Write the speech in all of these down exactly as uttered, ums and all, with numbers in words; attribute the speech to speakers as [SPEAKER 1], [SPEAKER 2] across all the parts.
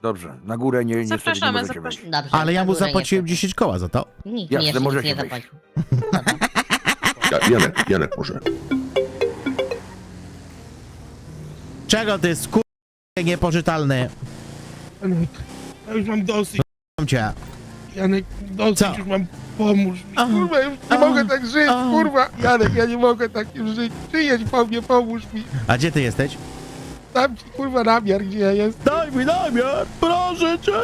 [SPEAKER 1] Dobrze, na górę nie, niestety nie
[SPEAKER 2] Zapraszamy,
[SPEAKER 1] możecie wejść.
[SPEAKER 2] zapraszamy.
[SPEAKER 3] Dobrze,
[SPEAKER 4] Ale ja
[SPEAKER 3] na
[SPEAKER 4] mu
[SPEAKER 3] górę
[SPEAKER 4] zapłaciłem
[SPEAKER 3] niestety.
[SPEAKER 4] dziesięć koła za to.
[SPEAKER 3] Nikt
[SPEAKER 1] Jasne,
[SPEAKER 3] mi jeszcze nic
[SPEAKER 1] możecie
[SPEAKER 3] nie
[SPEAKER 1] wejść.
[SPEAKER 3] zapłacił.
[SPEAKER 5] Ja, Janek, Janek może.
[SPEAKER 4] Czego ty skur... niepożytalny?
[SPEAKER 6] Janek, ja już mam dosyć.
[SPEAKER 4] Mam cię.
[SPEAKER 6] Janek, dosyć
[SPEAKER 4] Co?
[SPEAKER 6] już mam. Pomóż mi,
[SPEAKER 4] A,
[SPEAKER 6] kurwa, ja już nie
[SPEAKER 4] a,
[SPEAKER 6] mogę tak żyć,
[SPEAKER 4] a.
[SPEAKER 6] kurwa. Janek, ja nie mogę tak już żyć. Przyjedź po mnie, pomóż mi.
[SPEAKER 4] A gdzie ty jesteś?
[SPEAKER 6] Dam ci, kurwa, namiar, gdzie ja jestem.
[SPEAKER 4] Daj mi namiar, proszę cię.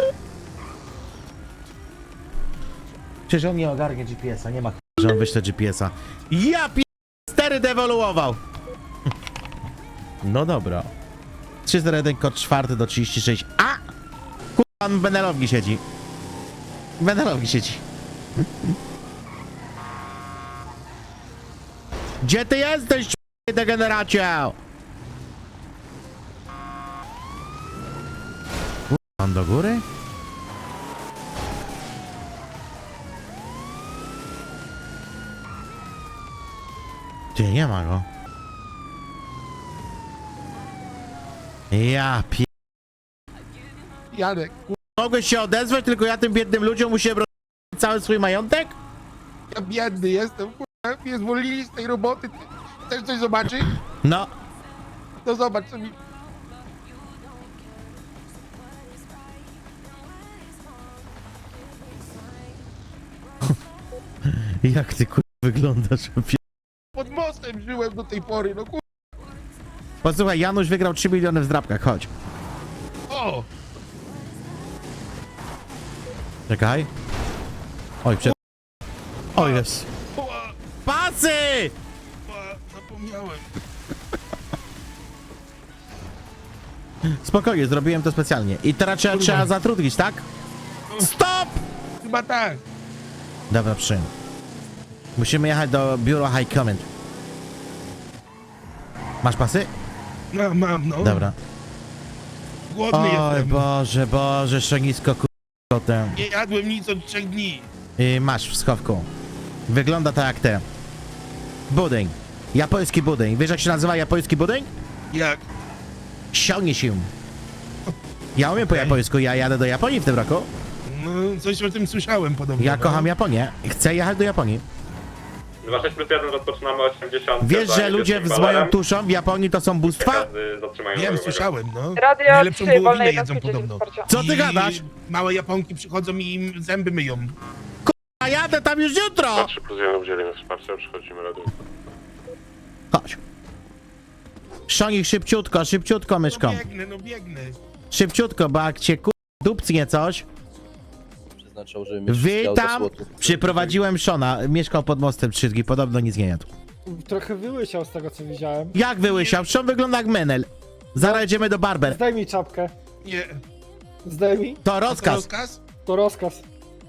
[SPEAKER 4] Przecież on nie ogarnie G P S-a, nie ma ch... że on wyśle G P S-a. Ja pi... stery dewoluował. No dobra. trzy zero jeden kod czwarty do trzydzieści sześć. A! Kurwa, on w Benelowni siedzi. W Benelowni siedzi. Gdzie ty jesteś, c***y degeneracie? On do góry? Ty, nie ma go. Ja pi...
[SPEAKER 6] Janek, kurwa,
[SPEAKER 4] Mogłeś się odezwać, tylko ja tym biednym ludziom musiałem roz... cały swój majątek?
[SPEAKER 6] ja biedny jestem, kurwa. Mnie zwolnili z tej roboty. Ty chcesz coś zobaczyć?
[SPEAKER 4] No.
[SPEAKER 6] To zobacz, co mi...
[SPEAKER 4] Jak ty kur... wyglądasz? pi-
[SPEAKER 6] Pod mostem żyłem do tej pory, no kurwa.
[SPEAKER 4] Posłuchaj, Janusz wygrał trzy miliony w zdrabkach, chodź.
[SPEAKER 6] O!
[SPEAKER 4] Czekaj. Oj, przed... O jest.
[SPEAKER 6] Ła,
[SPEAKER 4] Pasy!
[SPEAKER 6] ła, zapomniałem.
[SPEAKER 4] Spokojnie, zrobiłem to specjalnie. I teraz trzeba, trzeba zatrudnić, tak? Stop!
[SPEAKER 6] Chyba tak.
[SPEAKER 4] Dobra, przyjm. Musimy jechać do biura High Command. Masz pasy?
[SPEAKER 6] No, mam, no.
[SPEAKER 4] Dobra.
[SPEAKER 6] Głodny
[SPEAKER 4] Oj
[SPEAKER 6] jestem.
[SPEAKER 4] Boże, Boże, szczenisko kotem.
[SPEAKER 6] Nie jadłem nic od trzech dni.
[SPEAKER 4] I masz w schowku. Wygląda tak jak te. Budyń. Japoński budyń. Wiesz jak się nazywa japoński budyń?
[SPEAKER 6] Jak?
[SPEAKER 4] Sionie się. Ja umiem po
[SPEAKER 6] Okej.
[SPEAKER 4] japońsku, ja jadę do Japonii w tym roku.
[SPEAKER 6] No, coś o tym słyszałem podobno.
[SPEAKER 4] Ja
[SPEAKER 6] no.
[SPEAKER 4] kocham Japonię. Chcę jechać do Japonii.
[SPEAKER 7] dwa sześć plus jeden rozpoczynamy osiemdziesiąt.
[SPEAKER 4] Wiesz, że ludzie z moją tuszą w Japonii to są bóstwa?
[SPEAKER 6] Wiem, słyszałem, no.
[SPEAKER 2] Radio
[SPEAKER 6] Najlepszą
[SPEAKER 2] trzy, wolne
[SPEAKER 6] wołowinę
[SPEAKER 2] jednostki
[SPEAKER 6] jedzą podobno.
[SPEAKER 2] wsparcia.
[SPEAKER 4] Co ty
[SPEAKER 6] I
[SPEAKER 4] gadasz?
[SPEAKER 6] Małe Japonki przychodzą i im zęby myją.
[SPEAKER 4] A jadę tam już jutro!
[SPEAKER 7] trzy plus jeden udzielimy wsparcia, przychodzimy radio.
[SPEAKER 4] Chodź. Szonik, szybciutko, szybciutko, myszką.
[SPEAKER 6] No biegnę, no biegnę.
[SPEAKER 4] Szybciutko, bo jak cię ku... dupcnie coś.
[SPEAKER 8] Przeznaczał, żeby mieć wszystkie auta
[SPEAKER 4] Witam!
[SPEAKER 8] słotów.
[SPEAKER 4] Przyprowadziłem Szona. Mieszkał pod mostem trzy dni, podobno nic nie jadł.
[SPEAKER 9] Trochę wyłysiał z tego co widziałem.
[SPEAKER 4] Jak wyłysiał? Szon wygląda jak menel. Zaraz jedziemy do barber.
[SPEAKER 9] Zdejmij czapkę.
[SPEAKER 6] Nie.
[SPEAKER 9] Zdejmij.
[SPEAKER 4] To
[SPEAKER 6] To
[SPEAKER 4] rozkaz.
[SPEAKER 6] rozkaz?
[SPEAKER 9] To rozkaz.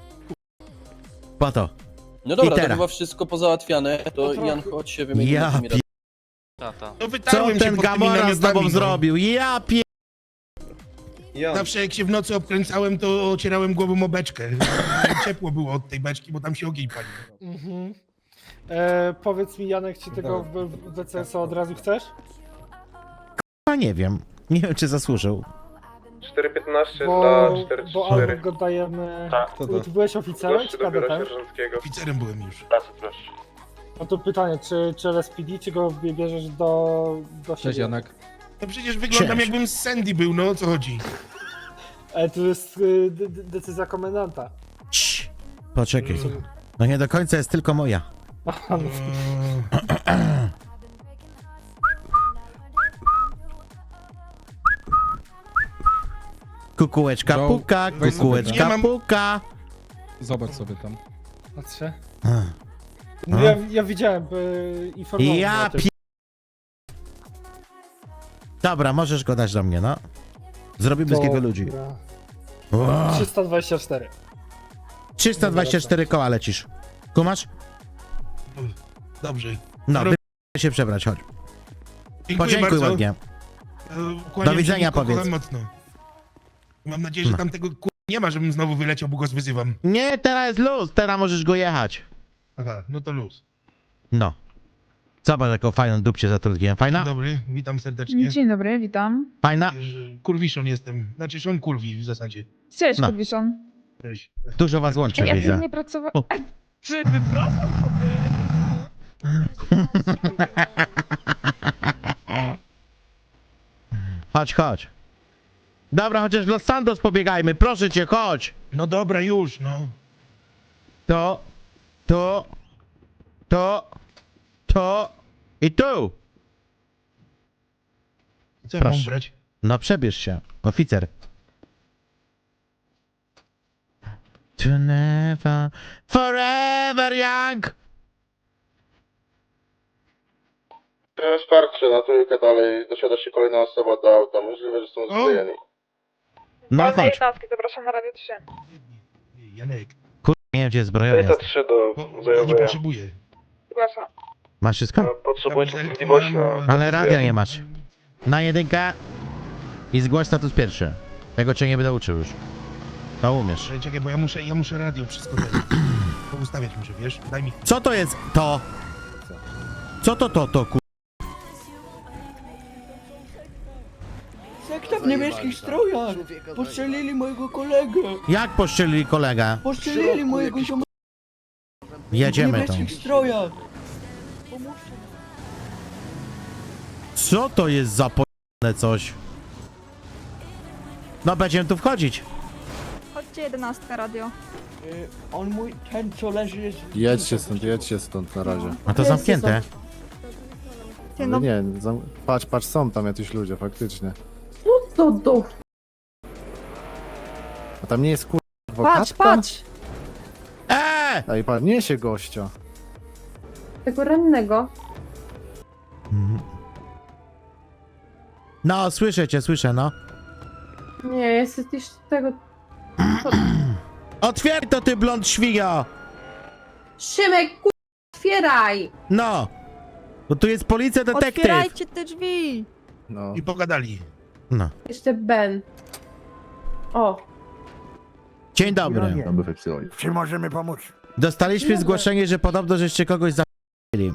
[SPEAKER 4] Po to.
[SPEAKER 8] No dobra,
[SPEAKER 4] I
[SPEAKER 8] to
[SPEAKER 4] teraz.
[SPEAKER 8] chyba wszystko pozałatwiane, to
[SPEAKER 9] No trochę.
[SPEAKER 8] Jan, chodź się wymienimy
[SPEAKER 4] Ja
[SPEAKER 8] tymi
[SPEAKER 4] pi...
[SPEAKER 6] No
[SPEAKER 4] Co
[SPEAKER 6] wytarłem się
[SPEAKER 4] ten
[SPEAKER 6] pod tymi
[SPEAKER 4] Gamora z
[SPEAKER 6] namiotami,
[SPEAKER 4] tobą
[SPEAKER 6] no.
[SPEAKER 4] zrobił? Ja pie...
[SPEAKER 6] Zawsze jak się w nocy obkręcałem, to ocierałem głową o beczkę. Ciepło było od tej beczki, bo tam się ogień palił.
[SPEAKER 9] Mhm. E, powiedz mi Janek, czy tego w, w D C S od razu chcesz?
[SPEAKER 4] A nie wiem. Nie wiem, czy zasłużył.
[SPEAKER 7] cztery piętnaście
[SPEAKER 9] Bo,
[SPEAKER 7] dla cztery
[SPEAKER 9] bo
[SPEAKER 7] cztery.
[SPEAKER 9] albo go dajemy...
[SPEAKER 7] Tak.
[SPEAKER 9] Ty, ty byłeś oficerem czy
[SPEAKER 7] do biura
[SPEAKER 9] kadetem?
[SPEAKER 7] sierżanckiego.
[SPEAKER 6] Oficerem byłem już.
[SPEAKER 7] Pracy, proszę.
[SPEAKER 9] No to pytanie, czy, czy L S P D, czy go bierzesz do, do siebie?
[SPEAKER 10] Cześć Janek.
[SPEAKER 6] To przecież wyglądam
[SPEAKER 4] Cześć.
[SPEAKER 6] jakbym z Sandy był, no o co chodzi?
[SPEAKER 9] E, to jest y, d- d- decyzja komendanta.
[SPEAKER 4] Cii. Poczekaj. No nie do końca jest tylko moja.
[SPEAKER 9] Aha, no.
[SPEAKER 6] Eee,
[SPEAKER 4] Kukułeczka
[SPEAKER 10] Joe,
[SPEAKER 4] puka,
[SPEAKER 10] weź sobie
[SPEAKER 4] kukułeczka
[SPEAKER 6] Nie mam-
[SPEAKER 4] puka.
[SPEAKER 10] Zobacz sobie tam.
[SPEAKER 9] Patrzę.
[SPEAKER 4] A.
[SPEAKER 9] No, ja, ja widziałem, y, informował mnie
[SPEAKER 4] Ja
[SPEAKER 9] o tym.
[SPEAKER 4] pi... Dobra, możesz go dać do mnie, no. Zrobimy z niego ludzi.
[SPEAKER 9] Dobra.
[SPEAKER 4] Wow.
[SPEAKER 9] trzysta dwadzieścia cztery.
[SPEAKER 4] trzysta dwadzieścia cztery koła lecisz. Kumasz?
[SPEAKER 6] Dobrze.
[SPEAKER 4] No,
[SPEAKER 6] Dobra.
[SPEAKER 4] wy... się przebrać, chodź.
[SPEAKER 6] Dziękuję
[SPEAKER 4] Podziękuj
[SPEAKER 6] bardzo.
[SPEAKER 4] ładnie.
[SPEAKER 6] Eee, kłaniam
[SPEAKER 4] Do widzenia,
[SPEAKER 6] się, Niko,
[SPEAKER 4] powiedz.
[SPEAKER 6] kocham mocno. Mam nadzieję, że
[SPEAKER 4] No.
[SPEAKER 6] tam tego ku... nie ma, żebym znowu wyleciał, bo go zwyzywam.
[SPEAKER 4] Nie, teraz jest luz, teraz możesz go jechać.
[SPEAKER 6] Aha, no to luz.
[SPEAKER 4] No. Zobacz, jaką fajną dupcie zatrudniłem. Fajna?
[SPEAKER 6] Dobry, witam serdecznie.
[SPEAKER 2] Dzień dobry, witam.
[SPEAKER 4] Fajna?
[SPEAKER 6] Kurwiszon jestem, znaczy Szon Kurwi w zasadzie.
[SPEAKER 2] Cześć,
[SPEAKER 4] No.
[SPEAKER 2] Kurwiszon.
[SPEAKER 6] Cześć.
[SPEAKER 4] Dużo was łączy,
[SPEAKER 2] Ja
[SPEAKER 4] widzę.
[SPEAKER 2] nie pracowałem.
[SPEAKER 4] O.
[SPEAKER 6] Czy wypraszam?
[SPEAKER 4] Chodź, chodź. Dobra, chociaż w Los Santos pobiegajmy, proszę cię, chodź.
[SPEAKER 6] No dobra, już, no.
[SPEAKER 4] To, to, to, to i tu.
[SPEAKER 6] Co ja mam
[SPEAKER 4] Proszę.
[SPEAKER 6] brać?
[SPEAKER 4] No przebierz się, oficer. To never, forever young.
[SPEAKER 5] Wsparcie na trójkę dalej, dosiada się kolejna osoba do auta, możliwe, że są
[SPEAKER 6] zbrojeni.
[SPEAKER 4] No chodź.
[SPEAKER 2] Zapraszam na Radio trzy.
[SPEAKER 6] Janek,
[SPEAKER 4] Kur... nie wiem, gdzie jest zbrojownia.
[SPEAKER 7] trzy do
[SPEAKER 6] bo nie potrzebuję.
[SPEAKER 2] Zgłaszam.
[SPEAKER 4] Masz wszystko?
[SPEAKER 7] Potrzebuję
[SPEAKER 6] Tam
[SPEAKER 7] częstotliwości na...
[SPEAKER 6] zerknąłem,
[SPEAKER 4] Ale radia nie masz. Na jedynkę i zgłoś status pierwszy. Tego cię nie będę uczył już. To umiesz.
[SPEAKER 6] Czekaj, czekaj, bo ja muszę, ja muszę radio wszystko poustawiać muszę, wiesz? Daj mi.
[SPEAKER 4] Co to jest to? Co to to to ku...
[SPEAKER 8] Sekta w niebieskich strojach! Postrzelili mojego kolegę!
[SPEAKER 4] Jak poszczelili kolegę?
[SPEAKER 8] Postrzelili mojego ziomka w
[SPEAKER 4] Jedziemy tam.
[SPEAKER 8] niebieskich strojach!
[SPEAKER 4] Co to jest za po***ne coś? No będziemy tu wchodzić.
[SPEAKER 2] Chodźcie, jedenastka radio.
[SPEAKER 8] Y, on mój, ten co leży jest...
[SPEAKER 3] Jedźcie stąd, jedźcie stąd na razie.
[SPEAKER 4] A to zamknięte.
[SPEAKER 2] Ty,
[SPEAKER 3] Ale
[SPEAKER 2] no,
[SPEAKER 3] nie, zam... patrz, patrz, są tam jacyś ludzie, faktycznie.
[SPEAKER 2] to do...
[SPEAKER 3] A tam nie jest kur... adwokatka?
[SPEAKER 2] Patrz, patrz!
[SPEAKER 4] Eee!
[SPEAKER 3] Ej, patrz, niesie gościa.
[SPEAKER 2] Tego rannego.
[SPEAKER 4] No, słyszę cię, słyszę, no.
[SPEAKER 2] Nie, jesteś tego...
[SPEAKER 4] Otwieraj to, ty blond świnio!
[SPEAKER 2] Szymek, ku... otwieraj!
[SPEAKER 4] No! Bo tu jest policja, detektyw.
[SPEAKER 2] Otwierajcie te drzwi!
[SPEAKER 3] No.
[SPEAKER 6] I pogadali.
[SPEAKER 4] No.
[SPEAKER 2] Jeszcze Ben. O.
[SPEAKER 4] Dzień dobry.
[SPEAKER 5] Mamy wepsyłaj.
[SPEAKER 1] Czy możemy pomóc?
[SPEAKER 4] Dostaliśmy zgłoszenie, że podobno żeście kogoś zabili.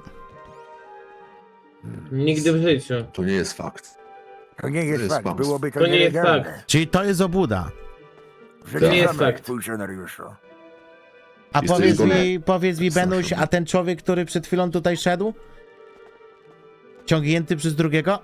[SPEAKER 7] Nigdy w życiu.
[SPEAKER 5] To nie jest fakt.
[SPEAKER 1] To nie
[SPEAKER 5] jest
[SPEAKER 1] jest
[SPEAKER 5] jest fakt,
[SPEAKER 1] fakt,
[SPEAKER 5] kłamstwo.
[SPEAKER 1] byłoby
[SPEAKER 7] To to nie jest nielegalne. fakt.
[SPEAKER 4] Czyli to jest obuda.
[SPEAKER 7] To nie jest fakt.
[SPEAKER 1] Funkcjonariuszu.
[SPEAKER 4] A
[SPEAKER 5] Jesteś
[SPEAKER 4] powiedz
[SPEAKER 5] zgodny?
[SPEAKER 4] mi, powiedz mi,
[SPEAKER 5] Strasznie.
[SPEAKER 4] Benuś, a ten człowiek, który przed chwilą tutaj szedł? Ciągnięty przez drugiego?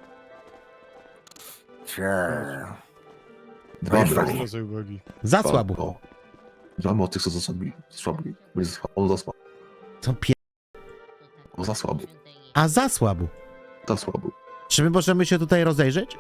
[SPEAKER 1] Cze...
[SPEAKER 5] Dwa
[SPEAKER 1] Wiesz,
[SPEAKER 5] brawo.
[SPEAKER 4] Za
[SPEAKER 5] Dwa,
[SPEAKER 4] słabo.
[SPEAKER 5] o. Dwa o tych, co zasłabili. Słabli. Będzie za- On za słabo.
[SPEAKER 4] Co pie...
[SPEAKER 5] On za słabo.
[SPEAKER 4] A za słabo.
[SPEAKER 5] Za słabo.
[SPEAKER 4] Czy my możemy się tutaj rozejrzeć?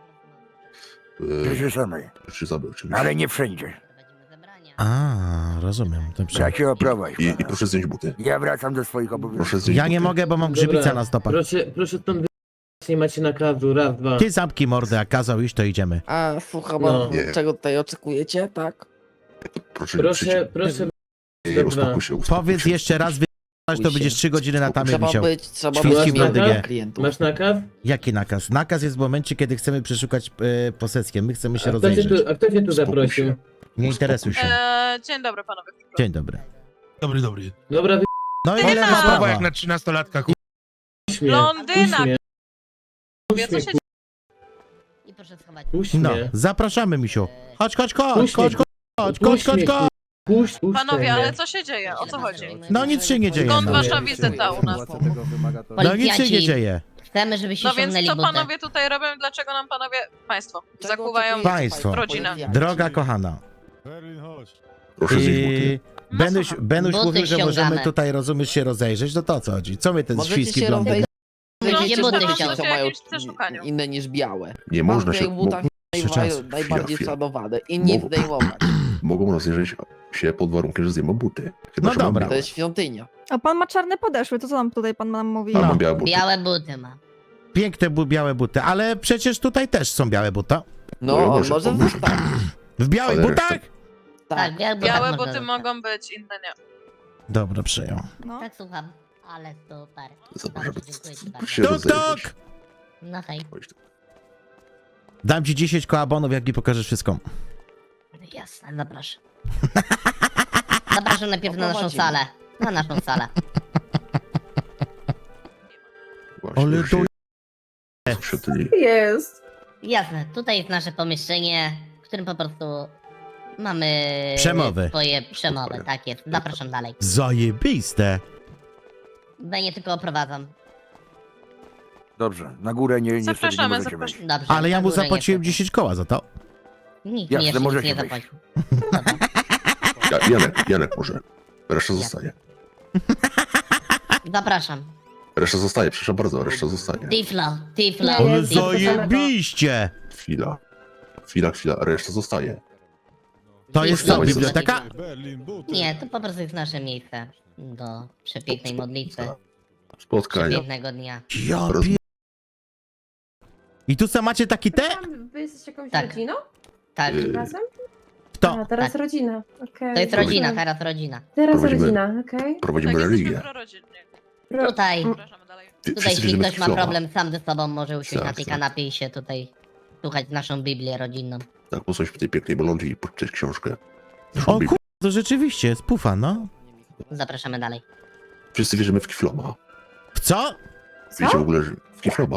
[SPEAKER 5] Yy,
[SPEAKER 1] Przyszemy,
[SPEAKER 5] Czy zabrał, oczywiście.
[SPEAKER 1] ale nie wszędzie.
[SPEAKER 4] A, rozumiem. Dobrze.
[SPEAKER 1] Bracie, oprowadź.
[SPEAKER 5] I, I proszę zdjąć buty.
[SPEAKER 1] Ja wracam do swoich obowiązków.
[SPEAKER 5] Proszę zdjąć
[SPEAKER 4] Ja
[SPEAKER 5] buty.
[SPEAKER 4] nie mogę, bo mam grzybica
[SPEAKER 7] Dobra,
[SPEAKER 4] na stopach.
[SPEAKER 7] Proszę, proszę stąd wy... Nie macie nakazu, raz, dwa.
[SPEAKER 4] Ty zamknij mordę, jak kazał iść, to idziemy.
[SPEAKER 8] A, słucham,
[SPEAKER 7] No.
[SPEAKER 5] Nie.
[SPEAKER 8] czego tutaj oczekujecie, tak?
[SPEAKER 5] Proszę,
[SPEAKER 7] Proszę, proszę...
[SPEAKER 5] Nie, nie, uspokój się, uspokój
[SPEAKER 4] Powiedz
[SPEAKER 5] się.
[SPEAKER 4] jeszcze raz, wy... to będziesz trzy godziny na tamie
[SPEAKER 8] Trzeba
[SPEAKER 4] wisiał.
[SPEAKER 8] być, trzeba
[SPEAKER 4] Świński
[SPEAKER 8] być
[SPEAKER 4] blondygie.
[SPEAKER 8] miłym klientów.
[SPEAKER 7] Masz nakaz?
[SPEAKER 4] Jaki nakaz? Nakaz jest w momencie, kiedy chcemy przeszukać e, posesję. My chcemy się
[SPEAKER 7] A kto cię
[SPEAKER 4] rozejrzeć.
[SPEAKER 7] tu, a kto cię tu
[SPEAKER 5] Uspokój
[SPEAKER 7] zaprosił?
[SPEAKER 5] się.
[SPEAKER 4] Nie interesuj się.
[SPEAKER 11] Eee, dzień dobry panowie.
[SPEAKER 4] Dzień dobry.
[SPEAKER 6] Dobry, dobry.
[SPEAKER 7] Dobra, wy...
[SPEAKER 4] No i
[SPEAKER 11] Nie
[SPEAKER 4] ile
[SPEAKER 11] ma.
[SPEAKER 4] ma
[SPEAKER 6] Słowa
[SPEAKER 4] sprawa?
[SPEAKER 6] jak na trzynastolatka. ku-
[SPEAKER 7] Puść mnie.
[SPEAKER 11] Blondyna,
[SPEAKER 7] Puść mnie.
[SPEAKER 11] Wie, co się dzieje?
[SPEAKER 12] I proszę schować.
[SPEAKER 7] Puść
[SPEAKER 4] No,
[SPEAKER 7] mnie.
[SPEAKER 4] zapraszamy, misiu. Chodź, chodź, chodź,
[SPEAKER 7] Puść
[SPEAKER 4] chodź,
[SPEAKER 7] mnie.
[SPEAKER 4] chodź, chodź, chodź,
[SPEAKER 7] Puść
[SPEAKER 4] chodź,
[SPEAKER 7] mnie,
[SPEAKER 4] chodź.
[SPEAKER 7] Puść, puść
[SPEAKER 11] Panowie,
[SPEAKER 7] mnie.
[SPEAKER 11] ale co się dzieje? O co chodzi?
[SPEAKER 4] No nic się nie dzieje.
[SPEAKER 11] Skąd
[SPEAKER 4] No,
[SPEAKER 11] wasza wizyta u nas?
[SPEAKER 4] no nic się nie dzieje.
[SPEAKER 12] Chcemy, żebyście
[SPEAKER 11] No więc
[SPEAKER 12] ściągnęli
[SPEAKER 11] co
[SPEAKER 12] butę.
[SPEAKER 11] panowie tutaj robią? Dlaczego nam panowie, państwo,
[SPEAKER 8] Czego
[SPEAKER 11] zakuwają
[SPEAKER 8] oczekujecie
[SPEAKER 4] Państwo.
[SPEAKER 11] rodzinę?
[SPEAKER 4] Droga kochana.
[SPEAKER 5] Proszę zdjąć buty.
[SPEAKER 4] I... Benuś, Benuś
[SPEAKER 12] Buty
[SPEAKER 4] mówił, że możemy
[SPEAKER 12] ściągamy.
[SPEAKER 4] tutaj, rozumiesz, się rozejrzeć. No to o co chodzi? Co my ten
[SPEAKER 8] Możecie
[SPEAKER 4] świński
[SPEAKER 8] się
[SPEAKER 4] blondyk?
[SPEAKER 8] rozejrzeć.
[SPEAKER 12] Będziecie
[SPEAKER 11] No,
[SPEAKER 12] buty
[SPEAKER 11] to
[SPEAKER 12] ściągać.
[SPEAKER 11] się
[SPEAKER 8] Co mają
[SPEAKER 11] jakieś przeszukaniu.
[SPEAKER 8] inne niż białe.
[SPEAKER 5] Nie można
[SPEAKER 8] Mam
[SPEAKER 5] się...
[SPEAKER 8] w tych butach
[SPEAKER 5] Mo,
[SPEAKER 8] najwa-
[SPEAKER 4] Chwila,
[SPEAKER 8] najbardziej
[SPEAKER 5] chwila.
[SPEAKER 8] szanowane i nie
[SPEAKER 5] Mogą-
[SPEAKER 8] zdejmować.
[SPEAKER 5] mogą rozejrzeć się pod warunkiem, że zdejmą buty. Chyba,
[SPEAKER 4] No
[SPEAKER 5] że mam
[SPEAKER 4] dobra.
[SPEAKER 8] To
[SPEAKER 5] białe.
[SPEAKER 8] jest świątynia.
[SPEAKER 2] A pan ma czarne podeszły, to co nam tutaj pan nam mówi?
[SPEAKER 5] A
[SPEAKER 4] No.
[SPEAKER 5] mam białe buty.
[SPEAKER 12] Białe buty ma.
[SPEAKER 4] Piękne bu- białe buty, ale przecież tutaj też są białe buty.
[SPEAKER 8] No,
[SPEAKER 5] No,
[SPEAKER 8] on
[SPEAKER 5] może
[SPEAKER 8] może
[SPEAKER 5] pomóż.
[SPEAKER 8] zostać.
[SPEAKER 4] W białych
[SPEAKER 5] Ale
[SPEAKER 4] butach?
[SPEAKER 5] reszta-
[SPEAKER 12] Tak,
[SPEAKER 8] Tak.
[SPEAKER 12] białe buty
[SPEAKER 11] Białe
[SPEAKER 12] można
[SPEAKER 11] buty
[SPEAKER 12] dostać.
[SPEAKER 11] mogą być, inne nie.
[SPEAKER 4] Dobra, przyjął.
[SPEAKER 2] No.
[SPEAKER 12] Tak, słucham. Ale super.
[SPEAKER 5] Zapraszam.
[SPEAKER 12] Dobrze, dziękuję ci bardzo.
[SPEAKER 5] Się
[SPEAKER 4] Tok,
[SPEAKER 5] rozejrzeć.
[SPEAKER 4] tok!
[SPEAKER 12] No hej.
[SPEAKER 5] Chodź tu.
[SPEAKER 4] Dam ci dziesięć koabonów, jak mi pokażesz wszystko.
[SPEAKER 12] Jasne, zapraszam. Zapraszam najpierw na naszą
[SPEAKER 8] Oprowadzimy.
[SPEAKER 12] salę. Na naszą salę.
[SPEAKER 4] Ale to...
[SPEAKER 5] w świątyni.
[SPEAKER 2] Jest.
[SPEAKER 12] Jasne, tutaj jest nasze pomieszczenie, w którym po prostu mamy
[SPEAKER 4] Przemowy.
[SPEAKER 12] swoje przemowy, tak jest. Zapraszam dalej.
[SPEAKER 4] Zajebiste.
[SPEAKER 12] Tutaj nie tylko oprowadzam.
[SPEAKER 1] Dobrze, na górę nie, niestety nie
[SPEAKER 11] Zapraszamy,
[SPEAKER 1] możecie
[SPEAKER 11] zapraszamy.
[SPEAKER 1] wejść.
[SPEAKER 12] Dobrze.
[SPEAKER 4] Ale ja
[SPEAKER 12] na
[SPEAKER 4] mu
[SPEAKER 12] górę
[SPEAKER 4] zapłaciłem
[SPEAKER 12] niestety.
[SPEAKER 4] dziesięć koła za to.
[SPEAKER 12] Nikt
[SPEAKER 1] Jasne,
[SPEAKER 12] mi jeszcze nic
[SPEAKER 1] możecie
[SPEAKER 12] nie
[SPEAKER 1] wejść.
[SPEAKER 12] zapłacił.
[SPEAKER 5] Ja, Janek, Janek może. Reszta zostaje.
[SPEAKER 12] Zapraszam.
[SPEAKER 5] Reszta zostaje, przepraszam bardzo, reszta zostaje.
[SPEAKER 12] Tiflo, Tiflo,
[SPEAKER 2] Nie,
[SPEAKER 4] Ale
[SPEAKER 2] nie,
[SPEAKER 12] Tiflo.
[SPEAKER 4] zajebiście.
[SPEAKER 5] Chwila. Chwila, chwila, reszta zostaje.
[SPEAKER 4] To jest co, biblioteka?
[SPEAKER 12] Nie, to po prostu jest nasze miejsce do przepięknej modlitwy,
[SPEAKER 5] Spotkania.
[SPEAKER 12] przepięknego dnia.
[SPEAKER 4] Ja pie... I tu co macie taki te?
[SPEAKER 2] Wy jesteście jakąś
[SPEAKER 12] Tak.
[SPEAKER 2] rodziną?
[SPEAKER 12] Tak,
[SPEAKER 5] Y,
[SPEAKER 2] Razem?
[SPEAKER 4] Kto?
[SPEAKER 2] A, teraz
[SPEAKER 12] Tak.
[SPEAKER 2] rodzina. Okej.
[SPEAKER 12] to jest rodzina, teraz rodzina.
[SPEAKER 2] Teraz
[SPEAKER 5] Prowadzimy-
[SPEAKER 2] rodzina, okej.
[SPEAKER 5] Prowadzimy
[SPEAKER 11] Tak, jesteśmy
[SPEAKER 5] religię.
[SPEAKER 11] prorodzinnie.
[SPEAKER 2] Ro-
[SPEAKER 12] Tutaj,
[SPEAKER 11] Zapraszamy dalej.
[SPEAKER 5] Wy-
[SPEAKER 12] tutaj
[SPEAKER 5] wszyscy
[SPEAKER 12] jeśli
[SPEAKER 5] wierzymy w
[SPEAKER 12] ktoś ma
[SPEAKER 5] Kiflowa.
[SPEAKER 12] problem sam ze sobą, może usiąść
[SPEAKER 5] Tak,
[SPEAKER 12] na tej
[SPEAKER 5] tak.
[SPEAKER 12] kanapie i się tutaj słuchać naszą Biblię rodzinną.
[SPEAKER 5] Tak, posłuchaj w tej pięknej bolądzi i poczytać książkę.
[SPEAKER 4] O kur... to rzeczywiście jest pufa, no.
[SPEAKER 12] Zapraszamy dalej.
[SPEAKER 5] Wszyscy wierzymy w Kifloma.
[SPEAKER 4] W co?
[SPEAKER 5] Wiecie w ogóle, że w Kifloma.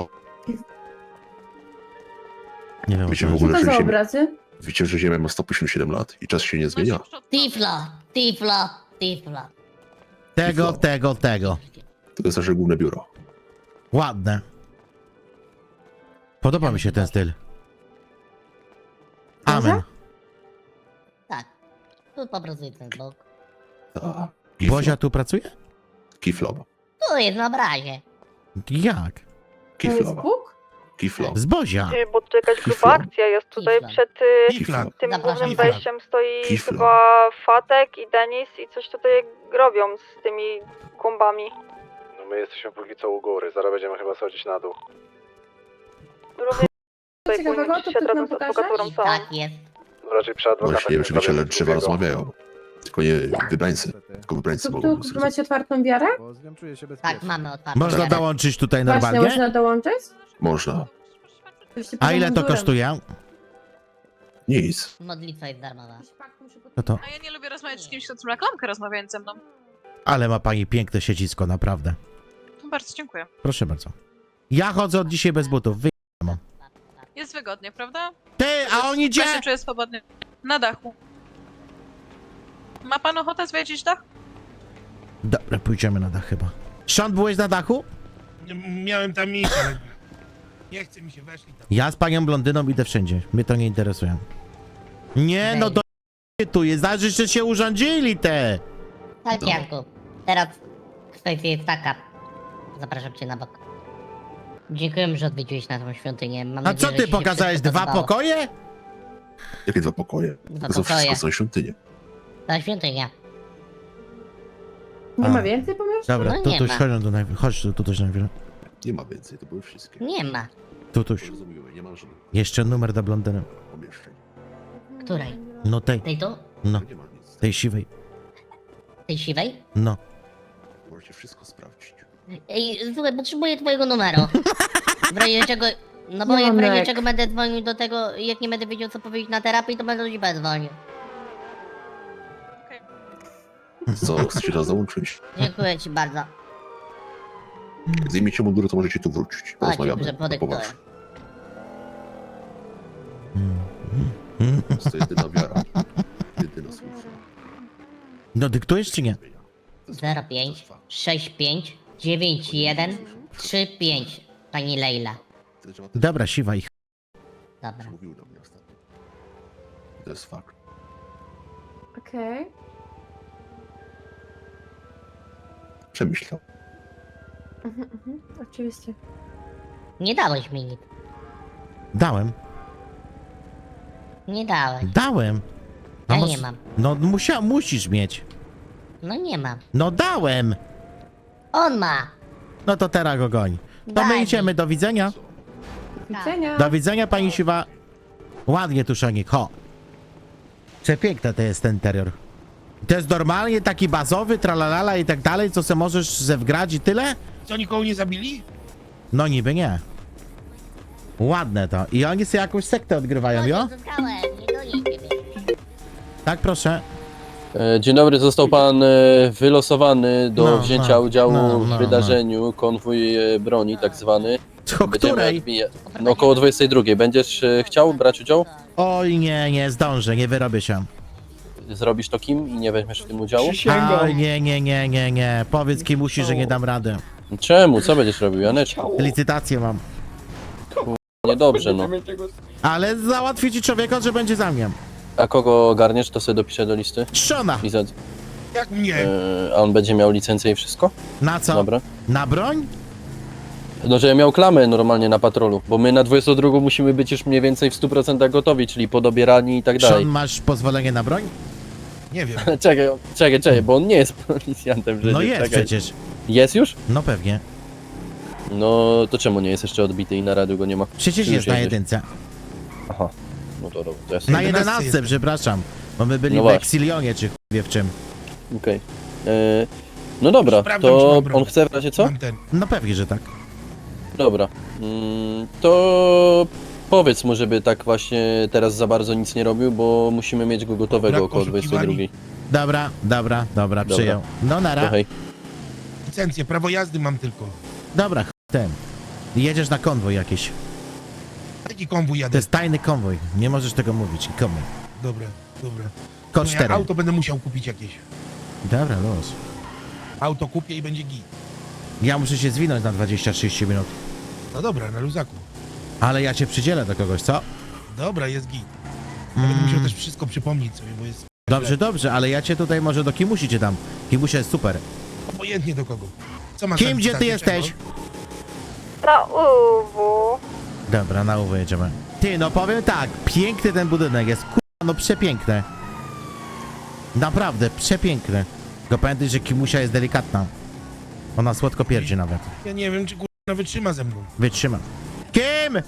[SPEAKER 4] Nie wiem. o
[SPEAKER 5] Wiecie
[SPEAKER 4] co
[SPEAKER 5] w
[SPEAKER 2] Co
[SPEAKER 5] ogóle,
[SPEAKER 2] to
[SPEAKER 5] że
[SPEAKER 2] za
[SPEAKER 5] Ziemia,
[SPEAKER 2] obrazy?
[SPEAKER 5] wiecie, że Ziemia ma sto pięćdziesiąt siedem lat i czas się nie zmienia.
[SPEAKER 12] Tiflo, Tiflo, Tiflo.
[SPEAKER 4] Tego, tego, tego.
[SPEAKER 5] To jest nasze główne biuro.
[SPEAKER 4] Ładne. Podoba mi się ten styl. Amen.
[SPEAKER 12] Tak. Tu po prostu jest ten bok.
[SPEAKER 5] Tak.
[SPEAKER 4] Bozia tu pracuje?
[SPEAKER 5] Kiflom.
[SPEAKER 12] Tu jest na obrazie.
[SPEAKER 4] Jak?
[SPEAKER 2] To jest
[SPEAKER 5] Kiflom.
[SPEAKER 2] Bóg?
[SPEAKER 5] Kiflom.
[SPEAKER 4] Z Bozia.
[SPEAKER 2] Bo tu jakaś
[SPEAKER 5] gruba akcja
[SPEAKER 2] jest
[SPEAKER 12] tutaj przed,
[SPEAKER 5] Kiflom.
[SPEAKER 2] tym
[SPEAKER 12] Zapraszam.
[SPEAKER 2] głównym
[SPEAKER 12] Kifla.
[SPEAKER 2] wejściem stoi
[SPEAKER 5] Kifla.
[SPEAKER 2] chyba Fatek i Denis i coś tutaj robią z tymi kumbami.
[SPEAKER 3] No my jesteśmy póki co u góry, zaraz będziemy chyba schodzić na dół.
[SPEAKER 2] Co ciekawego, to ktoś nam pokaże?
[SPEAKER 12] Tak jest.
[SPEAKER 3] Raczej przy
[SPEAKER 5] Właśnie, nie wiem, czy wiecie, ale drzewa rozmawiają. Tylko nie wybrańcy. Tylko wybrańcy
[SPEAKER 2] Tu,
[SPEAKER 5] mogą
[SPEAKER 2] tu
[SPEAKER 5] zrozumieć.
[SPEAKER 2] macie otwartą wiarę?
[SPEAKER 3] Bo z nią czuję się bezpiecznie.
[SPEAKER 12] Tak, mamy otwarte.
[SPEAKER 4] Można
[SPEAKER 12] wiarę.
[SPEAKER 4] dołączyć tutaj
[SPEAKER 2] Właśnie,
[SPEAKER 4] normalnie?
[SPEAKER 2] można dołączyć?
[SPEAKER 5] Można.
[SPEAKER 2] Żebyście
[SPEAKER 4] A
[SPEAKER 2] poza
[SPEAKER 4] ile to
[SPEAKER 2] mundurem.
[SPEAKER 4] kosztuje?
[SPEAKER 5] Nic.
[SPEAKER 12] Modlitwa jest darmowa.
[SPEAKER 4] No to.
[SPEAKER 11] A ja nie lubię rozmawiać z kimś, kto trzyma klamkę rozmawiając ze mną.
[SPEAKER 4] Ale ma pani piękne siedzisko, naprawdę.
[SPEAKER 11] Bardzo dziękuję.
[SPEAKER 4] Proszę bardzo. Ja chodzę od dzisiaj bez butów. Wy...
[SPEAKER 11] Jest wygodnie, prawda?
[SPEAKER 4] Ty, a on idzie!
[SPEAKER 11] Ja się czuję swobodnie. Na dachu. Ma pan ochotę zwiedzić dach?
[SPEAKER 4] Dobra, pójdziemy na dach chyba. Sean, byłeś na dachu?
[SPEAKER 6] Miałem tam iść, ale nie chce mi się, weszli tam.
[SPEAKER 4] Ja z panią blondyną idę wszędzie. Mnie to nie interesuje. Nie, no to tu jest. Znaczy, że się urządzili te.
[SPEAKER 12] Tak, Janku. Teraz kwestia jest taka. Zapraszam cię na bok. Dziękuję, że odwiedziłeś naszą świątynię. Mam
[SPEAKER 4] A
[SPEAKER 12] nadzieję,
[SPEAKER 4] co
[SPEAKER 12] że
[SPEAKER 4] ty
[SPEAKER 12] ci się
[SPEAKER 4] pokazałeś?
[SPEAKER 12] wszystko
[SPEAKER 4] Dwa
[SPEAKER 12] podobało.
[SPEAKER 4] pokoje?
[SPEAKER 5] Jakie dwa pokoje?
[SPEAKER 12] Dwa
[SPEAKER 5] To są
[SPEAKER 12] pokoje.
[SPEAKER 5] wszystko są świątynie.
[SPEAKER 12] Ta świątynia.
[SPEAKER 2] Nie
[SPEAKER 4] A.
[SPEAKER 2] ma więcej pomieszczeń?
[SPEAKER 4] Dobra,
[SPEAKER 12] No
[SPEAKER 4] tu
[SPEAKER 12] nie
[SPEAKER 4] tuś,
[SPEAKER 12] ma.
[SPEAKER 4] chodź tu najpierw. Chodź tu, tu też najpierw.
[SPEAKER 5] Nie ma więcej, to były wszystkie.
[SPEAKER 12] Nie ma.
[SPEAKER 4] Tu tuś.
[SPEAKER 5] Rozumiemy, nie ma żadnych
[SPEAKER 4] Jeszcze numer dla blondyny.
[SPEAKER 5] pomieszczeń.
[SPEAKER 12] Której?
[SPEAKER 4] No tej,
[SPEAKER 12] Tej tu?
[SPEAKER 4] no,
[SPEAKER 5] Nie ma nic.
[SPEAKER 4] tej siwej.
[SPEAKER 12] Tej siwej?
[SPEAKER 4] No.
[SPEAKER 5] Możecie wszystko sprawdzić.
[SPEAKER 12] Ej, słuchaj, potrzebuję twojego numeru. W razie czego... No bo jak w razie
[SPEAKER 2] Janek.
[SPEAKER 12] czego będę dzwonił do tego, jak nie będę wiedział co powiedzieć na terapii, to będę do ciebie dzwonił.
[SPEAKER 5] Co, chcecie nas załączyć?
[SPEAKER 12] Dziękuję ci bardzo.
[SPEAKER 5] Jak zdejmiecie mundury, to możecie tu wrócić. Porozmawiamy.
[SPEAKER 12] że
[SPEAKER 5] Na
[SPEAKER 12] podyktuję.
[SPEAKER 5] poważnie. To jest jedyna wiara. Jedyna słuszna.
[SPEAKER 4] No dyktujesz czy nie?
[SPEAKER 12] zero pięć sześć pięć dziewięć jeden trzy pięć. Pani Leila.
[SPEAKER 4] Dobra, siwa ich.
[SPEAKER 12] Dobra.
[SPEAKER 5] Mówił do mnie ostatnio. To jest fakt.
[SPEAKER 2] Okej.
[SPEAKER 5] Przemyślał.
[SPEAKER 2] Mhm, mhm, oczywiście.
[SPEAKER 12] Nie dałeś mi nic.
[SPEAKER 4] Dałem,
[SPEAKER 12] Nie dałeś.
[SPEAKER 4] dałem. A
[SPEAKER 12] Ja
[SPEAKER 4] mos-
[SPEAKER 12] nie mam.
[SPEAKER 4] No musia, musisz mieć.
[SPEAKER 12] No nie mam.
[SPEAKER 4] No dałem.
[SPEAKER 12] On ma.
[SPEAKER 4] No to teraz go goń. To
[SPEAKER 12] Daj
[SPEAKER 4] my
[SPEAKER 12] mi.
[SPEAKER 4] idziemy, do widzenia.
[SPEAKER 2] Do widzenia.
[SPEAKER 4] Do widzenia, pani siwa. Ładnie tu, Szonik, ho. Przepiękny to jest ten interior. To jest normalnie taki bazowy, tralalala i tak dalej, co se możesz zewgrać i tyle?
[SPEAKER 6] Co, nikogo nie zabili?
[SPEAKER 4] No niby nie. Ładne to. I oni sobie jakąś sektę odgrywają,
[SPEAKER 12] No
[SPEAKER 4] jo?
[SPEAKER 12] nie zyskałem, nie do niej ciebie.
[SPEAKER 4] Tak, proszę.
[SPEAKER 13] E, Dzień dobry, został pan e, wylosowany do
[SPEAKER 4] No,
[SPEAKER 13] wzięcia
[SPEAKER 4] no,
[SPEAKER 13] udziału
[SPEAKER 4] no,
[SPEAKER 13] w
[SPEAKER 4] no,
[SPEAKER 13] wydarzeniu konwój e, broni tak zwany.
[SPEAKER 4] O
[SPEAKER 13] Będziemy
[SPEAKER 4] której?
[SPEAKER 13] odbija- No około dwudziestej drugiej. Będziesz e, chciał brać udział?
[SPEAKER 4] Oj, nie, nie zdążę, nie wyrobię się.
[SPEAKER 13] Zrobisz to kim i nie weźmiesz w tym udziału?
[SPEAKER 4] Oj, nie, nie, nie, nie, nie. Powiedz kim musi, że nie dam rady.
[SPEAKER 13] Czemu? Co będziesz robił, Janeczku?
[SPEAKER 4] Licytację mam.
[SPEAKER 13] Niedobrze, no.
[SPEAKER 4] Ale załatwię ci człowieka, że będzie za mnie.
[SPEAKER 13] A kogo ogarniesz, to sobie dopiszę do listy.
[SPEAKER 4] Trzona!
[SPEAKER 13] I za...
[SPEAKER 6] Jak mnie?
[SPEAKER 13] e, A on będzie miał licencję i wszystko?
[SPEAKER 4] Na co?
[SPEAKER 13] Dobra.
[SPEAKER 4] Na broń?
[SPEAKER 13] No, że miał klamę normalnie na patrolu, bo my na dwudziestą drugą musimy być już mniej więcej w stu procentach gotowi, czyli podobierani i tak dalej.
[SPEAKER 4] Sean, masz pozwolenie na broń?
[SPEAKER 6] Nie wiem.
[SPEAKER 13] Czekaj, czekaj, czekaj, bo on nie jest policjantem przecież.
[SPEAKER 4] No jest
[SPEAKER 13] czekaj.
[SPEAKER 4] przecież.
[SPEAKER 13] Jest już?
[SPEAKER 4] No pewnie.
[SPEAKER 13] No to czemu nie jest jeszcze odbity i na radiu go nie ma?
[SPEAKER 4] Przecież
[SPEAKER 13] Czy już
[SPEAKER 4] jest na
[SPEAKER 13] jedziesz?
[SPEAKER 4] jedynce.
[SPEAKER 13] Aha, no to dobra, to ja
[SPEAKER 4] Na
[SPEAKER 13] sobie...
[SPEAKER 6] jedenastce
[SPEAKER 4] jedenastce,
[SPEAKER 6] jestem.
[SPEAKER 4] przepraszam. Bo my byli
[SPEAKER 13] No
[SPEAKER 4] w
[SPEAKER 13] właśnie.
[SPEAKER 4] Exilionie, czy chuj wie w czym.
[SPEAKER 13] Okej. E, No dobra,
[SPEAKER 6] Sprawdzam, czy
[SPEAKER 13] to
[SPEAKER 6] mam broń.
[SPEAKER 13] on chce w razie co?
[SPEAKER 6] Mam ten.
[SPEAKER 4] No pewnie, że tak.
[SPEAKER 13] Dobra. Mm, to powiedz mu, żeby tak właśnie teraz za bardzo nic nie robił, bo musimy mieć go gotowego
[SPEAKER 6] Brak
[SPEAKER 13] około dwudziestej drugiej.
[SPEAKER 4] Dobra, dobra, dobra,
[SPEAKER 13] Dobra.
[SPEAKER 4] przyjął. No nara.
[SPEAKER 13] To hej.
[SPEAKER 6] Licencję, prawo jazdy mam tylko.
[SPEAKER 4] Dobra, ch... ten. Jedziesz na konwój jakiś.
[SPEAKER 6] Taki konwój
[SPEAKER 4] To
[SPEAKER 6] jadę.
[SPEAKER 4] jest tajny konwój. Nie możesz tego mówić. Komu?
[SPEAKER 6] Dobra, dobra.
[SPEAKER 4] Kod
[SPEAKER 6] No ja
[SPEAKER 4] cztery.
[SPEAKER 6] auto będę musiał kupić jakieś.
[SPEAKER 4] Dobra, los.
[SPEAKER 6] Auto kupię i będzie git.
[SPEAKER 4] Ja muszę się zwinąć na dwadzieścia trzydzieści minut.
[SPEAKER 6] No dobra, na luzaku.
[SPEAKER 4] Ale ja cię przydzielę do kogoś, co?
[SPEAKER 6] Dobra, jest git. Ja będę
[SPEAKER 4] Mm,
[SPEAKER 6] musiał też wszystko przypomnieć sobie, bo jest
[SPEAKER 4] dobrze, dobrze, ale ja cię tutaj może do Kimusi cię dam. Kimusia jest super.
[SPEAKER 6] obojętnie do kogo. Co masz
[SPEAKER 4] Kim,
[SPEAKER 6] na
[SPEAKER 4] gdzie ty
[SPEAKER 6] licytację,
[SPEAKER 4] jesteś?
[SPEAKER 6] czego?
[SPEAKER 2] Na U W.
[SPEAKER 4] Dobra, na uwę jedziemy. Ty, no powiem tak, piękny ten budynek jest, kurwa, no przepiękny. Naprawdę, przepiękny. Tylko pamiętaj, że Kimusia jest delikatna. Ona słodko pierdzi nawet.
[SPEAKER 6] Ja nie wiem, czy kurwa wytrzyma ze mną.
[SPEAKER 4] Wytrzyma. Kim?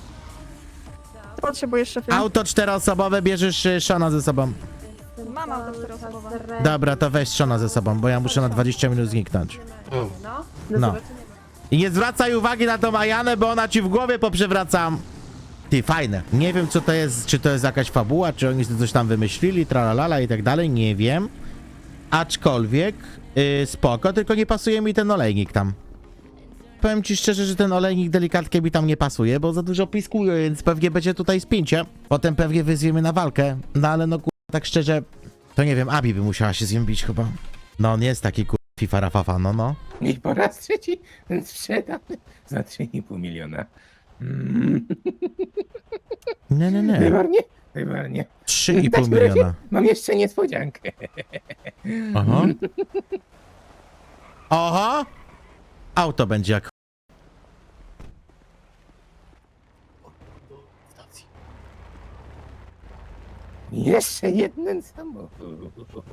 [SPEAKER 2] Co potrzebujesz, szefie?
[SPEAKER 4] Auto czteroosobowe, bierzesz y, Shona ze sobą.
[SPEAKER 2] Mam auto czteroosobowe.
[SPEAKER 4] Dobra, to weź Shona ze sobą, bo ja muszę na dwadzieścia minut zniknąć.
[SPEAKER 6] O.
[SPEAKER 4] No. I nie zwracaj uwagi na tą Ajanę, bo ona ci w głowie poprzewracam. Ty, fajne. Nie wiem, co to jest, czy to jest jakaś fabuła, czy oni sobie coś tam wymyślili, tralalala i tak dalej, nie wiem. Aczkolwiek, yy, spoko, tylko nie pasuje mi ten olejnik tam. Powiem ci szczerze, że ten olejnik delikatnie mi tam nie pasuje, bo za dużo piskuje, więc pewnie będzie tutaj spięcie. Potem pewnie wyzwiemy na walkę, no ale no kur... tak szczerze, to nie wiem, Abi by musiała się z nim bić chyba. No on jest taki kur... FIFA rafafa, no no.
[SPEAKER 8] I po raz trzeci sprzedany za trzy i pół miliona. Mm.
[SPEAKER 4] Nie, nie, nie.
[SPEAKER 8] Wybornie? Wybornie.
[SPEAKER 4] trzy i pół
[SPEAKER 8] W takim razie
[SPEAKER 4] miliona.
[SPEAKER 8] Mam jeszcze niespodziankę.
[SPEAKER 4] Aha. Oho! Auto będzie jak...
[SPEAKER 8] Jeszcze jeden samochód.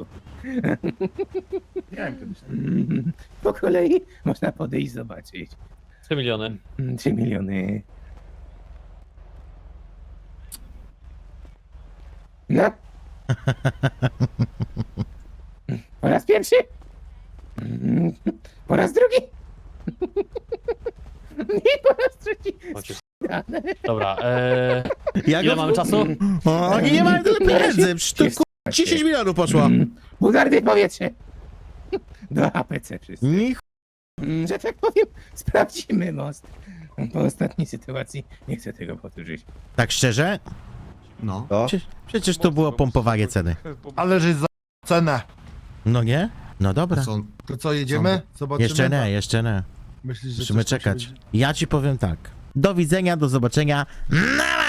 [SPEAKER 8] Mm, Po kolei można podejść zobaczyć.
[SPEAKER 10] trzy miliony.
[SPEAKER 8] Mm, Trzy miliony. No. Po raz pierwszy? Mm, Po raz drugi? I po raz trzeci. Sprzedane.
[SPEAKER 10] Dobra, eee,
[SPEAKER 4] Jak
[SPEAKER 10] ile mamy czasu?
[SPEAKER 4] O, oni nie mają tyle pieniędzy, przecież to ku... dziesięć milionów poszło.
[SPEAKER 8] Mm, Bugardy powietrze. Do A P C wszyscy.
[SPEAKER 4] Nich...
[SPEAKER 8] Mm, Że tak powiem, sprawdzimy most. Po ostatniej sytuacji nie chcę tego powtórzyć.
[SPEAKER 4] Tak szczerze?
[SPEAKER 5] No.
[SPEAKER 4] Przecież, przecież to było pompowanie ceny.
[SPEAKER 6] Ale że za cenę.
[SPEAKER 4] No nie? No dobra.
[SPEAKER 6] To co, jedziemy? Zobaczymy.
[SPEAKER 4] Jeszcze nie, jeszcze nie.
[SPEAKER 6] Myślisz, że
[SPEAKER 4] Musimy
[SPEAKER 6] coś tam się
[SPEAKER 4] czekać.
[SPEAKER 6] będzie-
[SPEAKER 4] Ja ci powiem tak. Do widzenia, do zobaczenia. Na